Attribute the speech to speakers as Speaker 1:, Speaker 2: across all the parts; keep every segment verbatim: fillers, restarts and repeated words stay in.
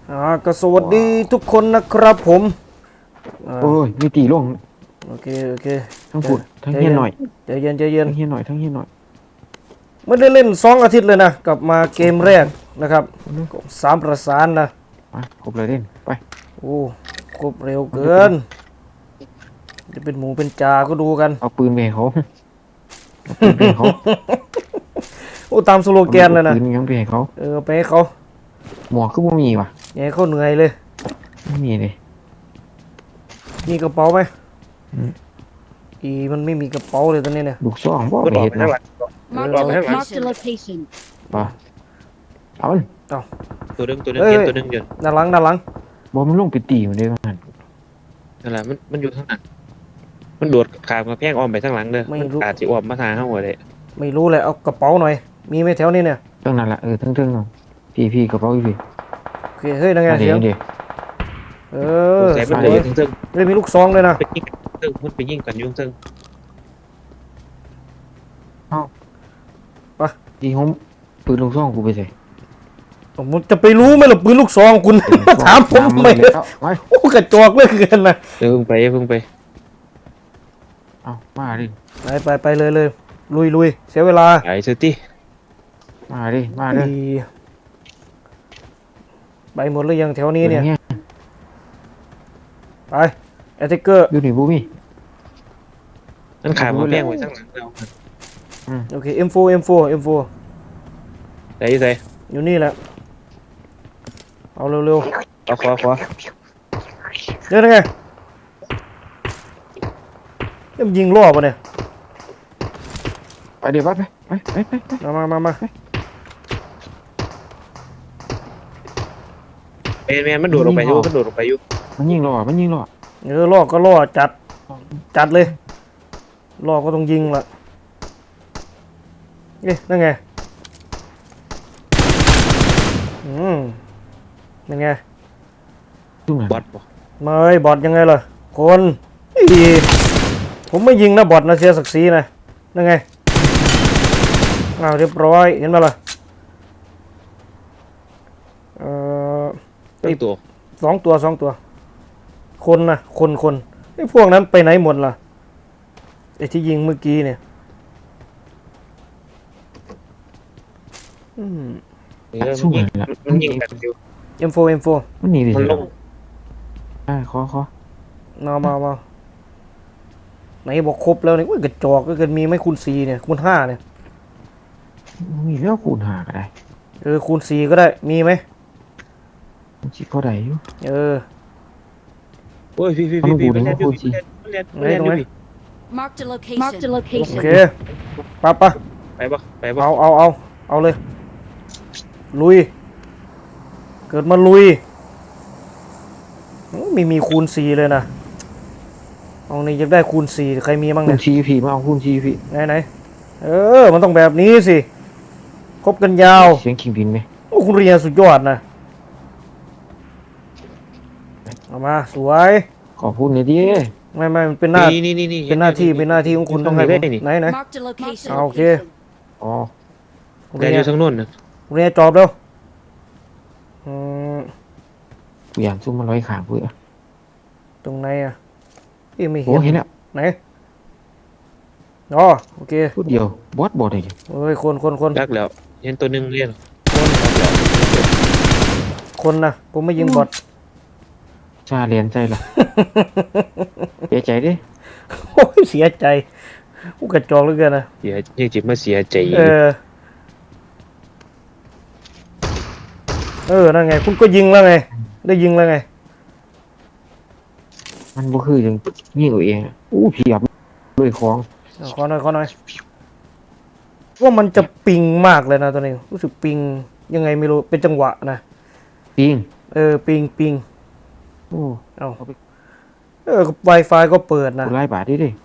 Speaker 1: อ่าก็สวัสดีทุกคนนะครับผม
Speaker 2: โอ้ยมีตีลง
Speaker 1: โอเคโอเค
Speaker 2: ทั้งผุดทั้งเฮียนหน่อย
Speaker 1: ใจเย็นใจเย็น
Speaker 2: ทั้งเฮียนหน่อยทั้งเฮียนหน่อย
Speaker 1: ไม่ได้เล่นสองอาทิตย์เลยนะกลับมาเกมแรกนะครับสามประสานนะ
Speaker 2: มาครบเลยเด่นไป
Speaker 1: โอ้ครบเร็วเกินจะเป็นหมูเป็นจาก็ดูกัน
Speaker 2: เอาปืนไปเขาเอาปืนไปเขา
Speaker 1: โอ้ตามสโลแกนเลยนะ
Speaker 2: ปืนยังไปให้เขา
Speaker 1: เออไปให้เขา
Speaker 2: หมวกคือบ่มีว่ะ
Speaker 1: อย่าให้เขาเหนื่อยเลย
Speaker 2: ไม่มีเลย
Speaker 1: มีกระเป๋าไหมอีมันไม่มีกระเป๋าเลยตอนนี้เนี่ย
Speaker 2: ลูกซองบ่ไปเห็ดนะ
Speaker 3: Marked a location.
Speaker 2: ป่ะเอามัน
Speaker 4: ตัวนึงตัวนึงเย็นตัวนึงเย็น
Speaker 1: ด้านหลังด้านหลัง
Speaker 2: บ่มันลงไปตีมันได้บ้าง
Speaker 4: นั่นแหละมันมันอยู่ข้างหลังมันโดดขามกระแพงอ้อมไปข้างหลังเด้อมันอาจจะอ้อมมาทางข้างหัวเลย
Speaker 1: ไม่รู้เลยเอากระเป๋าหน่อยมีไหมแถวนี้เนี่ย
Speaker 2: ตั้งนั่นแหละเออทั้งๆเนาะพี่พี่กระเป๋าพี่
Speaker 1: โอเคเฮ้ยนั่งไงเสียงเออ
Speaker 4: ใส่มันเลยทั้งซึ่ง
Speaker 1: เฮ้ยมีลูกซองเลยนะ
Speaker 4: ไปยิงซึ่งมันไปยิงกันยุ่งซึ่ง
Speaker 2: ดีผมปืนลูกซองกูไปใส่
Speaker 1: ผมจะไปรู้ไหมล่ะปืนลูกซองคุณถามผมทำไมโอ้กระจอกเหลือเกินนะ
Speaker 4: เดี๋ยวเพิ่งไปเพิ่งไป
Speaker 2: เอามาดิ
Speaker 1: ไปไปไปเลยเลยลุยลุยเสียเวลา
Speaker 4: ไอ้เซตี้
Speaker 2: มาดิมาดิ
Speaker 1: ไปหมดหรือยังแถวนี้เนี่ยไปแอตเทคเกอร์
Speaker 2: อยู่นี่บูมี่
Speaker 4: นั่นขามกระแพงไว้ข้างหลังเรา
Speaker 1: โอเค เอ็ม โฟร์ เอ็ม โฟร์ เอ็ม โฟร์
Speaker 4: ใส่ใส่
Speaker 1: อยู่นี่แหละเอาเร็วเร็ว
Speaker 4: เอาขวาขวา
Speaker 1: เดี๋ยวไงยังยิงล่อป่ะเนี่ย
Speaker 2: ไปเดี๋ยวไปไปไปไปไป
Speaker 1: มามามา
Speaker 4: แมนแมนมันโดดลงไปอยู่มันโดดลงไปอยู่
Speaker 2: มันยิงล่อมันยิงล่อ
Speaker 1: เออล่อก็ล่อจัดจัดเลยล่อก็ต้องยิงละเอ๊ะนั่นไงอืมนั่นไง
Speaker 4: บอทป่ะ
Speaker 1: ไม่บอทยังไงล่ะคนอีผมไม่ยิงนะบอทนะเสียศักดิ์ศรีนะนั่นไงอ้าวเรียบร้อยเห็นไหมล่ะเอ่อ
Speaker 4: ไอ้ตัว
Speaker 1: สองตัวสองตัวคนนะคนคนไอ้พวกนั้นไปไหนหมดล่ะไอ้ที่ยิงเมื่อกี้เนี่ยอืม
Speaker 4: สู้มันมันยิงแบบอยู่
Speaker 1: เอ็ม โฟร์ เอ็ม โฟร์
Speaker 2: มันหนีดิ
Speaker 4: มันลง
Speaker 2: อ่าขอขอ
Speaker 1: มามามาไหนบอกครบแล้วเนี่ยกระจอกก็เกินมีไหมคูณสี่เนี่ยคูณห้าเนี่ย
Speaker 2: มีแล้วคูณหาก็ได้
Speaker 1: เออคูณสี่ก็ได้มีไหม
Speaker 2: มันชิพอได้อยู่
Speaker 1: เออ
Speaker 4: โอ้ยพี่พี่พี่พี่มันเล่นอยู่พี่มันเล่นมันเล่นอยู่พี่
Speaker 3: Marked a location. Marked a location.
Speaker 1: โอเคปะปะ
Speaker 4: ไปปะไปปะ
Speaker 1: เอาเอาเอาเอาเลยลุยเกิดมาลุยไม่มีคูณสี่เลยนะเอานี่อยากได้คูณสี่ใครมีบ้างเนี่ย
Speaker 2: คูณสี่พีมาเอาคูณสี่พี
Speaker 1: ไหนไหนเออมันต้องแบบนี้สิคบกันยาว
Speaker 2: เสียงขิงบินไหม
Speaker 1: โอ้คุณเรียนสุดยอดนะเอามาสวย
Speaker 2: ขอพูดหน่อยดิ
Speaker 1: ไม่ไม่มันเป็นหน้าเป็นหน้าที่เป็นหน้าที่ของคุณต้องให้ไหนไหนเอาโอเค
Speaker 2: อ๋อ
Speaker 4: เรียนอยู่ทางโน้นนะ
Speaker 1: เรียนจอบเร็วอืม
Speaker 2: กูอยากซุ่มมาร้อยขางเพื่อ
Speaker 1: ตรงไหนอ่ะพี่ไม่เห็น
Speaker 2: โอ้เห็นแล้ว
Speaker 1: ไหนอ๋อโอเค
Speaker 2: พูดเดียวบอสบอสอะไรกัน
Speaker 1: เฮ้ยคนคนคน
Speaker 4: รักแล้วเห็นตัวหนึ่งเรียน
Speaker 1: คนคนนะผมไม่ยิงบอท
Speaker 2: ชาเรียนใจล่ะเสียใจดิ
Speaker 1: โอ้ยเสียใจกูกระจอกเหลือเกินนะ
Speaker 4: เสียยังจิตมาเสียใจ
Speaker 1: เออเออนั่นไงคุณก็ยิงแล้วไงได้ยิงแล้วไง
Speaker 2: มันบ่คือยังยิงตัวเองอู้เพียบเลยของ
Speaker 1: ขอหน่อยขอหน่อยว่ามันจะปิงมากเลยนะตอนนี้รู้สึกปิงยังไงไม่รู้เป็นจังหวะนะ
Speaker 2: ปิง
Speaker 1: เออปิงปิง
Speaker 2: โอ้
Speaker 1: เอาเออ Wi-Fi ก็เปิดนะ
Speaker 2: ไล่บาทดิดิ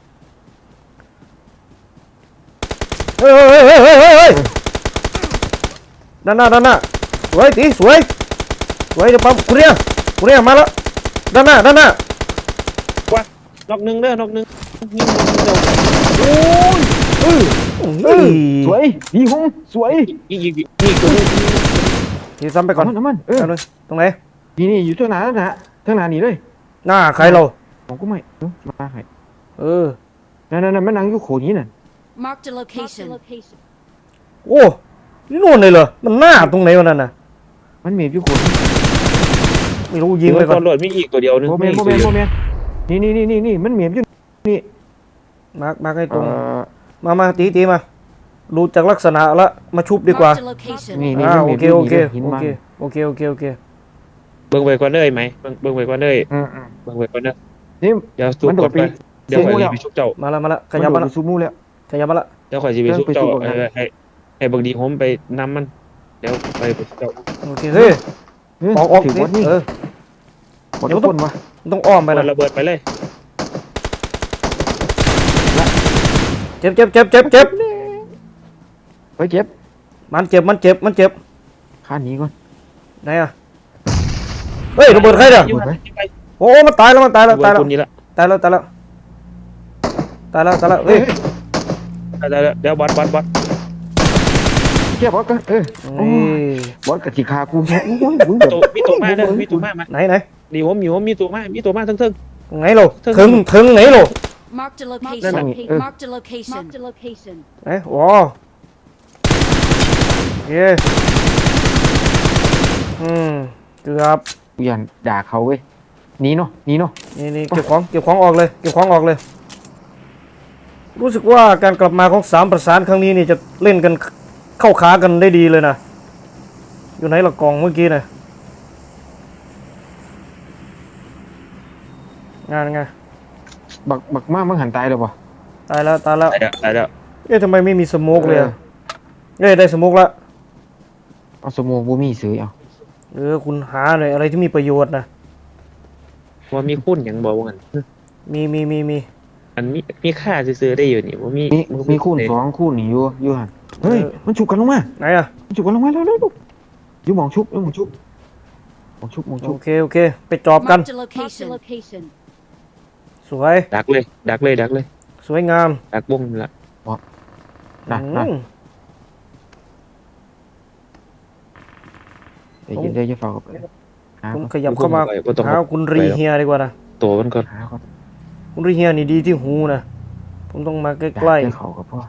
Speaker 1: เฮ้ยเฮ้ยเฮ้ยเฮ้ยเฮ้ยด้านหน้าด้านหน้าสวยตีสวยสวยเดี๋ยวปั๊มกูเรียกูเรียมาแล้วด้านหน้าด้านหน้า
Speaker 4: ว้านอกหนึ่งเด้อนอกหนึ่งยิง
Speaker 1: โอ้ยเออ
Speaker 2: สวยดีหุ้มสวย
Speaker 4: ยิงยิงยิงตัวนึง
Speaker 1: ทีซ้ำไปก่อน
Speaker 2: น้ำมันน้ำมันเออ
Speaker 1: เอาเลยตรงไหน
Speaker 2: นี่นี่อยู่เท่าหนาแล้วนะเท่าหนานี่เลย
Speaker 1: หน้าใครเรา
Speaker 2: ผมก็ไม่เออมาให้
Speaker 1: เออ
Speaker 2: นั่นนั่นมันนั่งอยู่โขนี้น่ะ
Speaker 3: Marked a location.
Speaker 1: โอ้นี่นู่นเลยเหรอมันหน้าตรงไหนวะนั่นน่ะ
Speaker 2: มันเมียอยู่โขนี้
Speaker 1: ไม่รู้ยิงไปก่อน
Speaker 4: ตำรวจมีอีกตัวเดียวนึง
Speaker 2: โมเมนต์โมเมนต์โมเมนต์นี่นี่นี่นี่นี่มันเมียอยู่นี่
Speaker 1: มาร์กมาร์กให้ตรง
Speaker 2: เอ่อ
Speaker 1: มามาตีตีมาดูจากลักษณะละมาชุบดีกว่า
Speaker 3: Marked a location.
Speaker 2: นี่นี่
Speaker 1: อ่า
Speaker 2: มัน
Speaker 1: โอ
Speaker 2: เมีย
Speaker 1: เค
Speaker 2: อยู่
Speaker 1: โอเค
Speaker 2: นี่หิน
Speaker 1: โอ
Speaker 2: มัน
Speaker 1: เคโอเคโอเคโอเค
Speaker 4: เบิ่งไปก่อนเลยไหมเบิ่งเบิ่งไปก่อนเลย
Speaker 2: อืมอืม
Speaker 4: เบิ่งไปก่อนเด้อ
Speaker 2: นี่
Speaker 4: เดี๋ยวสู้
Speaker 2: มันโด
Speaker 4: ก่อ
Speaker 2: ด
Speaker 4: น
Speaker 2: ไป
Speaker 4: ไปเดี๋ยวข่อย
Speaker 2: สู้แล้ว
Speaker 4: สิไปชุบเจ้า
Speaker 1: มาละมาละข
Speaker 2: มัน
Speaker 1: ยับ
Speaker 2: โด
Speaker 1: มา
Speaker 2: ด
Speaker 1: ละ
Speaker 2: ไปซูมูแล้ว
Speaker 1: ขยับมาละ
Speaker 4: เดี๋ยวข่อยสิไปชุบเจ้า
Speaker 2: เริ่มไปสู้ก่อน
Speaker 4: เออให้ให้เบิ่งดีผมไปนำมันเดี๋ยวไปไปชุบเจ้า
Speaker 1: โอเคเฮ้ย
Speaker 2: เฮ้ย
Speaker 1: ออกออก
Speaker 2: ถือ
Speaker 1: นี่
Speaker 2: ว่านี่
Speaker 1: เออ
Speaker 2: หมดทุกคนวะ
Speaker 1: ต้องอ้อมไป
Speaker 4: ไป
Speaker 1: นะ
Speaker 4: ระเบิดไปเลย
Speaker 1: เจ็บเจ็บเจ็บเจ็บเจ็บ
Speaker 2: เฮ้ยเจ็บ
Speaker 1: มันเจ็บมันเจ็บมันเจ็บ
Speaker 2: ข้าหนีก่อน
Speaker 1: ไหนอะเฮ้ยระเบิดใครเนี่ย
Speaker 4: อยู่
Speaker 2: ไหม
Speaker 4: ไป
Speaker 1: โอ้มันตายแล้วมันตายแล้ว
Speaker 4: ระเบิ
Speaker 1: ตาย
Speaker 4: ด
Speaker 1: แล้ว
Speaker 4: คนนี้ละ
Speaker 1: ตายแล้วตายแล้วตายแล้วตายแล้วเฮ้ย
Speaker 4: เดี๋ยวเดี๋ยวบอสบอสบอส
Speaker 2: เจ็บบอสกันเออโอ้
Speaker 1: นี่
Speaker 2: ยบอสกับจีคากูโอ้ยมึง
Speaker 4: ตัวมีตัวมาเด้อมีตัวมามา
Speaker 1: ไหนไหน
Speaker 4: ดีผมอยู่ผมมีตัวมามีตัวมาทั้งทั้ง
Speaker 1: ตรงไหนโลถึงถึงไหนโล
Speaker 3: Marked a
Speaker 2: Marked
Speaker 3: location.
Speaker 2: a-
Speaker 3: Marked a location. Marked a location.
Speaker 1: ไหนอ๋อโอเคอืมเกือบ
Speaker 2: กูยันด่าเขาเว้ยหนีเนาะหนีเนาะ
Speaker 1: นี่นี่เก็บของเก็บของออกเลยเก็บของออกเลย รู้สึกว่าการกลับมาของสามประสานครั้งนี้นี่จะเล่นกันเข้าขากันได้ดีเลยนะอยู่ไหนละกล่องเมื่อกี้นะงานไง
Speaker 2: บักบักมากมึงหันตายเลยปะ
Speaker 1: ตายแล้วตายแล้ว
Speaker 4: ตายแล้วตายแล้ว
Speaker 1: เอ๊ะทำไมไม่มีสโมกเลยอะเอ้ยได้สโมกละ
Speaker 2: เอาสมองบูมีซื้อเอา
Speaker 1: เออคุณหาหน่อยอะไรที่มีประโยชน์นะ
Speaker 4: ว่ามีคุ้นอย่างบอกว่ากัน
Speaker 1: มีมีมีมี
Speaker 4: อันมีมีค่าซื้อๆได้อยู่นี่ว่ามี
Speaker 2: มีมีคูณสองคูณหนีอยู่อยู่หันเฮ้ยมันฉุกกันลงมา
Speaker 1: ไหนอะ
Speaker 2: มันฉุกกันลงมาแล้วแล้วอยู่หมองชุบอยู่หมองชุบหมองชุบหมองชุ
Speaker 1: โอบ เคโอเคไปจอบกัน
Speaker 3: Marked a location. location.
Speaker 1: สวย
Speaker 4: ดักเลย ดักเลยดักเลย
Speaker 1: สวยงาม
Speaker 4: ดักวงนี่ละ
Speaker 2: นะนะ
Speaker 1: อืม
Speaker 2: เดี๋ยวเดี๋ยวจะฝากกับหา
Speaker 1: ผม
Speaker 2: ก่อน
Speaker 1: ขยับเข้ามา
Speaker 4: บ่ต้อง
Speaker 1: หาคุณรีเฮียดีกว่านะ
Speaker 4: ตัวมันก่อน
Speaker 2: หาก่อน
Speaker 1: คุณรีเฮียนี่ดีที่หูนะผมต้องมาใก
Speaker 2: ด่า
Speaker 1: ล้
Speaker 2: เจ้าเขากับพ่อ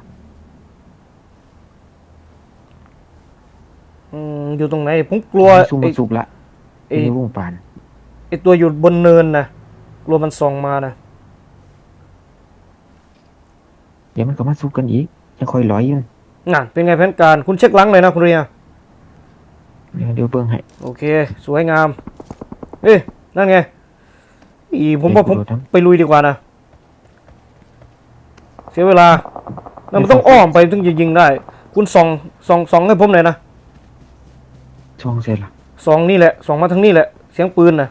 Speaker 1: ๆอืมอยู่ตรงไหนผมกลัว
Speaker 2: ซุ่ม
Speaker 1: ไอ้
Speaker 2: มาสุบละ
Speaker 1: ไอ้
Speaker 2: ไอ้วงปาน
Speaker 1: ไอ้ตัวอยู่บนเนินนะกลัวมันส่องมานะ
Speaker 2: เดี๋ยวมันก็มาสู้กันอีกยังคอยร้อยอยัง
Speaker 1: น่ะเป็นไงแผนการคุณเช็คหลังเลยนะคุณรีเฮีย
Speaker 2: เดี๋ยวเดี๋ยวเบิ่งให้
Speaker 1: โอเค สวยงาม เอ้ยนั่นไงอีผมว่าผม
Speaker 2: เดี๋ยวกูโดดน้
Speaker 1: ไปลุยดีกว่านะ เสียเวลาแล้วมันต้องอ้อมไปถึงจะยิงได้ คุณส่องส่องส่องให้ผมหน่อยนะ
Speaker 2: ำช่องเสร็จละ
Speaker 1: ส่องนี่แหละส่องมาทางนี่แหละ เสียงปืนนะ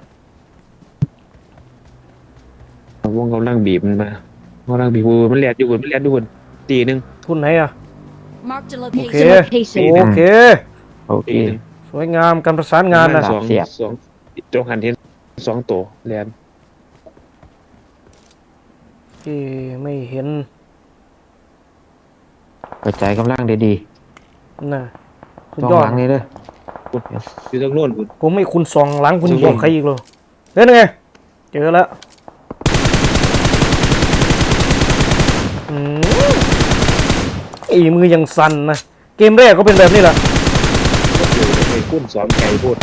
Speaker 4: วงกำลังบีบมันมากำลังบีบมันแลดอยู่บนมันแลดอยู่บนตีหนึ่ง
Speaker 1: คุณไหนอะ
Speaker 3: Marked a
Speaker 1: Okay.
Speaker 3: location.
Speaker 1: โอเค
Speaker 2: โอเค
Speaker 4: ตีหนึ่ง
Speaker 1: สวยงามการประสานงานนะ
Speaker 4: สอง
Speaker 2: เสียบ
Speaker 4: สองจงหันเห็นสองตัวแลน
Speaker 1: เอ้ไม่เห็น
Speaker 2: กระจายกำลังได้ดี
Speaker 1: น่ะสุด
Speaker 2: ต้อง
Speaker 1: ยอด
Speaker 2: หลังเลยเด้อ
Speaker 4: อยู่ตรงโน้นคุณ
Speaker 1: ผมไม่คุณส่องหลังคุณ
Speaker 4: สุดย
Speaker 1: บ
Speaker 4: อ
Speaker 1: อ
Speaker 4: ด
Speaker 1: กใครอีกเลยเฮ้ยนั่นไงเจอแล้วอืมไอ้มือยังสั่นนะเกมแรกก็เป็นแบบนี้แหละ
Speaker 4: อยู่ในกุ้นสองไก่พูด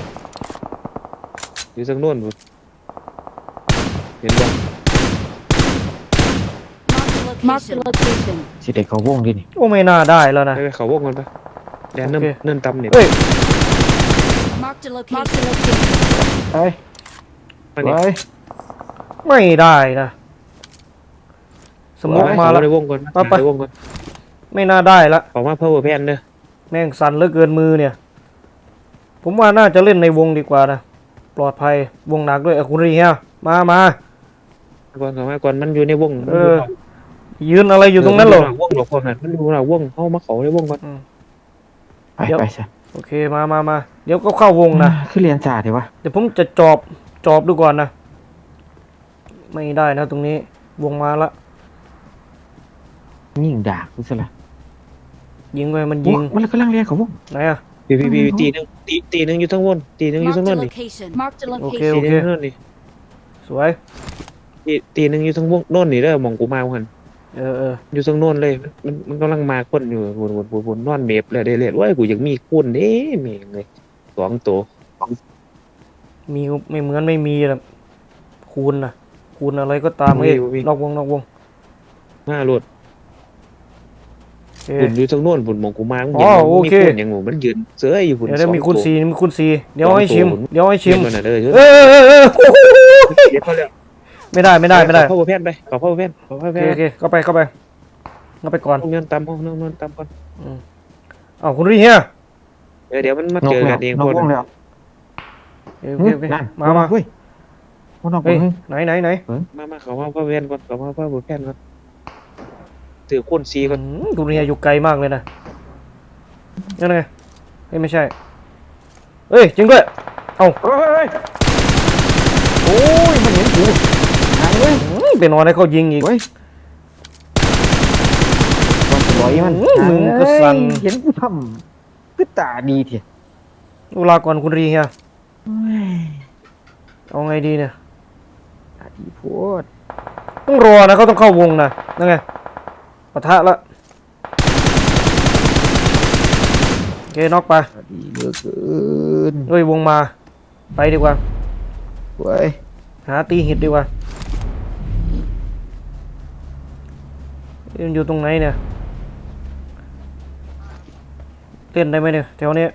Speaker 4: อยู่ตรงโน้นคุณเห็นบ่
Speaker 3: Marked a location.
Speaker 2: สิเด็กเขาวงดินี่
Speaker 1: โอ้ไม่น่าได้แล้วนะ
Speaker 4: ไปไปเขาวงกันปะแลนเนิ่ม
Speaker 1: โอเค
Speaker 4: เนิ่มตำเนี่ย
Speaker 1: เฮ้ย
Speaker 3: Marked a location. Marked a location.
Speaker 2: เอ้ย
Speaker 4: มาเนี่ย
Speaker 2: เอ้ย
Speaker 1: ไม่ได้นะสมองมาแล้ว
Speaker 4: ในวงก่อน
Speaker 1: ไปไป
Speaker 4: ในวงก่อน
Speaker 1: ไม่น่าได้ละ
Speaker 4: ออกมาเพิ่มแพนเด้อ
Speaker 1: แม่งสั่นเหลือเกินมือเนี่ย ผมว่าน่าจะเล่นในวงดีกว่านะปลอดภัยวงหนักด้วยเอาคุณรีเฮียมามา
Speaker 4: ก่อนก่อนมาก่อนมันอยู่ในวง
Speaker 1: เออ ยืนอะไรอยู่ตรงนั้นเหรอ
Speaker 4: มัวงหรอกคนนั้นมันอยู่หน้าวงเข้ามาเขาในวงก่อน
Speaker 2: ไป
Speaker 1: เดี๋ยว
Speaker 2: ไปซะ
Speaker 1: โอเคมามามาเดี๋ยวก็เข้าวงนะ
Speaker 2: คือเรียนจ่าเดี๋ยววะ
Speaker 1: เดี๋ยวผมจะจอบจอบดูก่อนนะ ไม่ได้นะตรงนี้ วงมาละ
Speaker 2: ยิ่งด่ากูซะละ
Speaker 1: ยิงไปมันยิง
Speaker 2: มันกำลังเรียนเขาวง
Speaker 1: ไหนอะ
Speaker 4: พี่พี่พี่ตีหนึงตีตีหนึงอยู่ทั้งวนตีหนึงอยู่ทั้ง
Speaker 3: Marked
Speaker 4: โน
Speaker 3: a
Speaker 4: นนี่
Speaker 3: location. Marked a
Speaker 1: โอเค
Speaker 3: location.
Speaker 1: โอ
Speaker 4: ตีห
Speaker 1: เค
Speaker 4: นึงอยู่ทั้งโนนนี่
Speaker 1: สวย
Speaker 4: ตีตีหนึงอยู่ทั้งวงโน่นนี่เด้อหมองกูมาหัน
Speaker 1: เออเออ
Speaker 4: อยู่ทั้งโน่นเลยมันมันมันกำลังมาคนอยู่วนวนวนวนนอนเมฟเลยเด้เลยว่ากูอยากมีคุณเด้แม่งเลยสองตัว
Speaker 1: มีไม่เหมือนไม่มีนะคูณนะคูณอะไรก็ตามเอ้ยนอกวงนอกวง
Speaker 4: ห้ารถ
Speaker 1: โอเค
Speaker 4: บุญอยู่ทั้งโน่นบุญหมองกูมา
Speaker 1: อ๋อโอเค
Speaker 4: มีคุณอย่างหมูมันยืนเสื้ออยู่บุญ
Speaker 1: เดี๋ยวได้มี
Speaker 4: สอง
Speaker 1: คูณ
Speaker 4: ตัว
Speaker 1: สี่มีคูณสี่เดี๋ยวให้ชิม
Speaker 4: สองศูนย์
Speaker 1: เดี๋ยวให้ชิ
Speaker 4: เห็
Speaker 1: ม
Speaker 4: นมันน่ะเด้อ
Speaker 1: เออเออเออ
Speaker 4: เดี๋ยวเขาเรียก
Speaker 1: ไม่ได้ไม่ได้ไม่ได้
Speaker 4: ขอพ่อแพนไปขอพ่อแพนขอพ่อ
Speaker 1: โอ
Speaker 4: แพ
Speaker 1: เคน โอเคเข้าไปเข้าไปเข้าไปก่อน
Speaker 4: ห้องนอนตามห้องนอนตามก่อน
Speaker 1: อ้าวคุณรีเฮีย
Speaker 4: เดี๋ยวเดี๋ยวมันมาน
Speaker 2: อ
Speaker 4: เจ
Speaker 2: ก
Speaker 4: อ
Speaker 2: แล้
Speaker 4: กั
Speaker 2: วน
Speaker 4: เอง
Speaker 2: นอ
Speaker 4: ค
Speaker 2: ก
Speaker 4: น
Speaker 2: วงแล้ว
Speaker 1: โอเคโอเคโอเค
Speaker 2: นั่น
Speaker 1: มามา
Speaker 2: เฮ้ยมันนอกว
Speaker 1: เฮ้ย
Speaker 2: ง
Speaker 1: ไหนไหนไหน
Speaker 4: มามาขอพ่อแพนก่อนขอพ่อแพนก่อนถือคุณซีก่อน
Speaker 1: อืมคุณรีเฮียอยู่ไกลมากเลยนะนั่นไงเฮ้ยไม่ใช่เฮ้ยจริงด้วยเอ้า
Speaker 2: เฮ้ยเฮ้ยโอ้ยมันเห็นกูหายเว้ย
Speaker 1: อืมไปนอนให้เขายิงอีก
Speaker 2: เว้ยมันสวยมัน
Speaker 1: อื้อมึงก็สั่น
Speaker 2: เฮ้ยเห็นกูทำคือตาดีเถอะ
Speaker 1: เวลาก่อนคุณรีเฮีย
Speaker 2: เฮ้ย
Speaker 1: เอาไงดีเนี่ย
Speaker 2: ตาดีโพด
Speaker 1: ต้องรอนะเขาต้องเข้าวงนะนั่นไงปะทะละโอเคน็อกไป
Speaker 2: ตาดีเหลือเกิน
Speaker 1: เฮ้ยวงมาไปดีกว่า
Speaker 2: เว้ย
Speaker 1: หาตีหิดดีกว่าเล่นอยู่ตรงไหนเนี่ยเล่นได้ไหมเนี่ยแถวนี้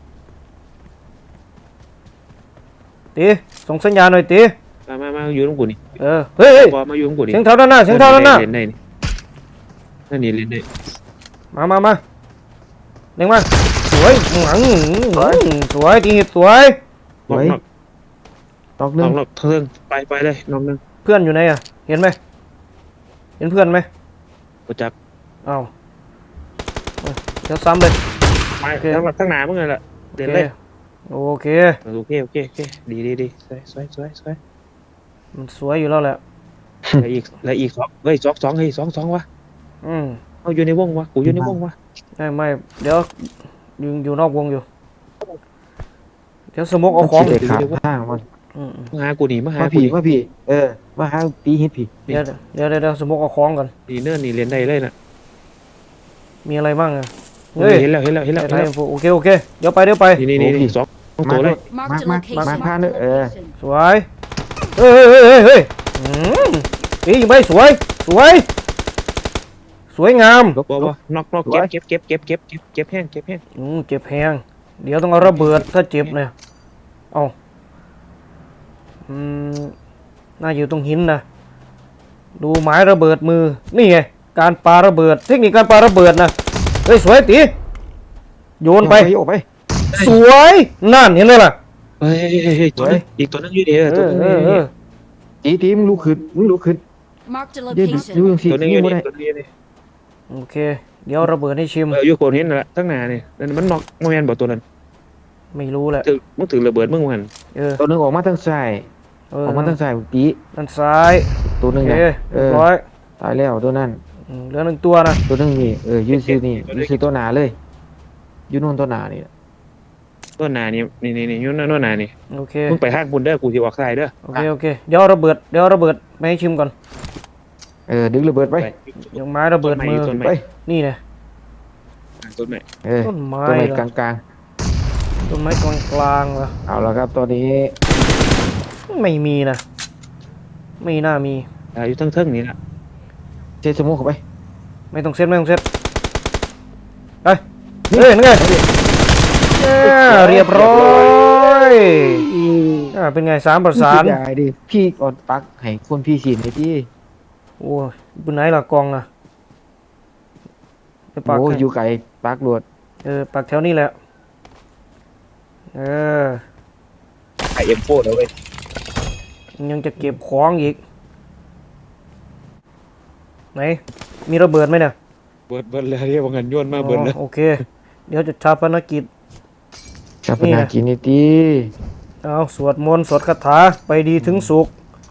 Speaker 1: ตีส่งสัญญาณหน่อยตี
Speaker 4: มามามาอยู่ตรงกูนี่
Speaker 1: เออเฮ้ยเฮ้ย
Speaker 4: บอมาอยู่ตรงกูนี่
Speaker 1: เสียงเท้าด้านหน้าเสียงเท้าด้านหน้า
Speaker 4: เล่นได้นี่นั่นนี่เล่นได้
Speaker 1: มามามาเล่งมาสวยหลังสวยตีหิดสวย
Speaker 4: นอกนอก
Speaker 2: ตอก
Speaker 4: น
Speaker 2: เรื่อ
Speaker 4: อง กนอกเทิงไปไปเลยนอกนึง
Speaker 1: เพื่อนอยู่ไหนอ่ะเห็นไหมเห็นเพื่อนไหม
Speaker 4: กูจับ
Speaker 1: อ้าวเอ้ยเดี๋ยวซ้ำเลย
Speaker 4: ไป
Speaker 1: โอเค
Speaker 4: ทั้งหลังทั้งหนามึงเลยล่ะ
Speaker 1: โอ
Speaker 4: เล่น
Speaker 1: เค
Speaker 4: เลย
Speaker 1: โอเค
Speaker 4: โอเคโอเคโอเคดีดีดีสวยสวยสวยสวย
Speaker 1: มันสวยอยู่แล้วแหละ
Speaker 4: แล้วอีกแล้วอีกสองเฮ้ยสองสองเฮ้ยสองสองวะ
Speaker 1: อืม
Speaker 4: เอาอยู่ในวงวะกูอยู่ในวงวะ
Speaker 1: ไม่ไม่เดี๋ยวอยู่อยู่นอกวงอยู่ เดี๋ยวสมกเอาของ
Speaker 2: มันสิได้ขาดทางมัน
Speaker 1: อืม
Speaker 4: มาหากูนี่มาหา
Speaker 2: มา
Speaker 4: กู
Speaker 2: ผี
Speaker 4: นี่
Speaker 2: มาผีเออมาหาตีเฮ็ดผี
Speaker 1: เดี๋ยวเดี๋ยวเดี๋ยวเดี๋ยวสมกเอาของก่อน
Speaker 4: นี่เนิ่นนี่เรียนได้เลยนะ
Speaker 1: มีอะไรบ้างอ่ะ
Speaker 4: เฮ้ยเห็นแล้วเห็นแล้วเห็นแล้ว
Speaker 1: ไท
Speaker 4: เห็น
Speaker 1: ย
Speaker 4: แล้ว
Speaker 1: โอเคโอเคเดี๋ยวไปเดี๋ยวไป
Speaker 4: นี่นี่นี่นี่สองสองตัวเลย
Speaker 3: Marked a
Speaker 2: Mark,
Speaker 3: location.
Speaker 2: Mark,
Speaker 3: Marked
Speaker 2: Mark,
Speaker 3: a
Speaker 2: Mark,
Speaker 3: location.
Speaker 1: สวยเฮ้ยเฮ้ยเฮ้ยเฮ้ยอืมตียิงไปสวยสวย สวยงาม
Speaker 4: บอกว่านอกนอกเก็บเก็บเก็บเก็บเก็บเก็บเก็บแห้งเก็บแห้ง
Speaker 1: อืมเจ็บแพงเดี๋ยวต้องเอาระเบิดถ้าเจ็บเนี่ยเอาอืมน่าอยู่ตรงหินนะดูหมายระเบิดมือนี่ไงการปาระเบิดเทคนิคการปาระเบิดนะเฮ้ยสวยตีโยนไป
Speaker 2: โยกไป
Speaker 1: สวยนั่นเห็นไหมล่ะ
Speaker 4: เฮ้ยเฮ้ยตัวนึงอีกตัวนึงอยู่ดีเออ
Speaker 1: เอ
Speaker 4: ตัว
Speaker 1: อ
Speaker 4: นึง
Speaker 1: เออเออ
Speaker 2: ตีตีมึงลุกขึ้นมึงลุกขึ้น
Speaker 3: Marked a
Speaker 2: เดี๋ยวดู
Speaker 3: location.
Speaker 2: ยังสิ
Speaker 4: ตัวนึงอ
Speaker 2: ยิ
Speaker 4: ยู่
Speaker 2: งบ่
Speaker 4: นี่
Speaker 2: ได้
Speaker 4: ตัวนึงอยู่นี่
Speaker 1: โอเค เดี๋ยวระเบิดให้ชิม
Speaker 4: เอออยู่โคนเห็นนั่นแหละตั้งนานนี่นั่นมันนอกโมเมนต์บอกตัวนั้น
Speaker 1: ไม่รู้แหละ
Speaker 4: ถือมึงถือระเบิดมึงมัน
Speaker 1: เออ
Speaker 2: ตัวหนึงออกมาทางซ้าย
Speaker 1: เอ
Speaker 2: อ
Speaker 1: อ
Speaker 2: อกมาทางซ้ายตี
Speaker 1: นั่นซ้าย
Speaker 2: ตัวหนึ
Speaker 1: โอง เค
Speaker 2: นะ
Speaker 1: เรี
Speaker 2: เอย
Speaker 1: บ
Speaker 2: อ
Speaker 1: ร้อย
Speaker 2: ตายแล้วตัวนั้น
Speaker 1: อืมเหลือหนึ่งตัวนะ
Speaker 2: ตัวหนึงนี่เออยืนซื้อนี่ยืนซื้อตัวหนาเลยอยู่นู่นตัวหนานี่
Speaker 4: ตัวหนานี่นี่นี่นี่ยุ่นนั่นหนานี่
Speaker 1: โอเค
Speaker 4: มึงไปห้างบุญเด้อกูจะออกซ้ายเด้อ
Speaker 1: โอเคโอเคเดี๋ยวเอาระเบิดเดี๋ยวเอาระเบิดมาให้ชิมก่อน
Speaker 2: เออดึงระเบิดไป
Speaker 1: เดี๋ยวไม้ระเบิดมือ
Speaker 4: ต้นไม้
Speaker 2: ไป
Speaker 1: นี่นะ
Speaker 4: ต้นไม้
Speaker 2: เออ
Speaker 1: ต้นไม้
Speaker 2: ตัวไหน
Speaker 1: เหรอก
Speaker 2: ลางกลาง
Speaker 1: ต้นไม้กลางกลางๆเหรอ
Speaker 2: ๆเอาละครับตอนนี้
Speaker 1: ไม่มีนะไม่น่ามี
Speaker 4: อ่าอยู่ทั้งเทิงนี่แหละ
Speaker 2: เจสมุกเข้าไป
Speaker 1: ไม่ต้องเซ็ตไม่ต้องเซ็ตไปเฮ้ยนั่นไงอ่าเรียบร้อยอ่าเป็นไงสามประสาน
Speaker 2: พี่ได้ดิพี่ก่อนปักให้คนพี่สินให้พี่
Speaker 1: โอ้ยบนไหนล่ะกองอ่ะไปปัก
Speaker 2: โอ้
Speaker 1: ให้
Speaker 2: อยู่ไกลปักรวด
Speaker 1: เออปักแถวนี้แหละเออ
Speaker 4: ไอเอ็มโฟแล้วเว้ย
Speaker 1: ยังจะเก็บของอีกไหนมีระเบิดไหมเนี่ย
Speaker 4: เบิดเบิดเลยเรียกว่าเงินย้อนมาเบิดเลย
Speaker 1: อ๋อโอเค เดี๋ยวจะชาปนกิจ
Speaker 2: ชาปนากินนี่ตี
Speaker 1: เอาสวดมนต์สวดคาถาไปดีถึงสุข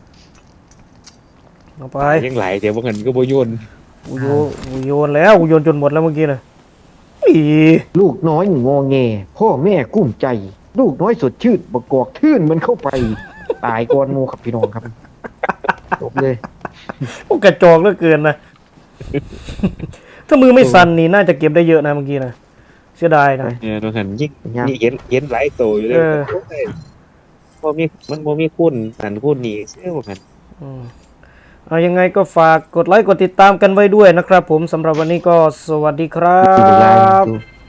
Speaker 1: เอาไป
Speaker 4: ยังไหลแต่ว่าเงินก็บ่โยน
Speaker 1: กูโยกูโยนแล้วกูโยนจนหมดแล้วเมื่อกี้นะอี
Speaker 2: ลูกน้อยงอแงพ่อแม่กุ้มใจ ลูกน้อยสดชื่นบกกอกทื่นมันเข้าไป ตายก่อนหมูครับพี่น้องครับจบเลย
Speaker 1: โอ้กระจอกเหลือเกินนะ ถ้ามือไม่สั่นนี่น่าจะเก็บได้เยอะนะเมื่อกี้นะเสียดายนะ
Speaker 4: เนี่ยตรงหันยิ่ง
Speaker 2: ยัง
Speaker 4: นี่เย็นเย็นหลายโตอยู่เลย
Speaker 1: เออ
Speaker 4: พอมีมันบ่มีคุณหันคุณนี่เสื้อหัน
Speaker 1: อืมเอายังไงก็ฝากกดไลค์กดติดตามกันไว้ด้วยนะครับผมสำหรับวันนี้ก็สวัสดีครั
Speaker 2: ดูไลน์
Speaker 1: บ
Speaker 2: ดู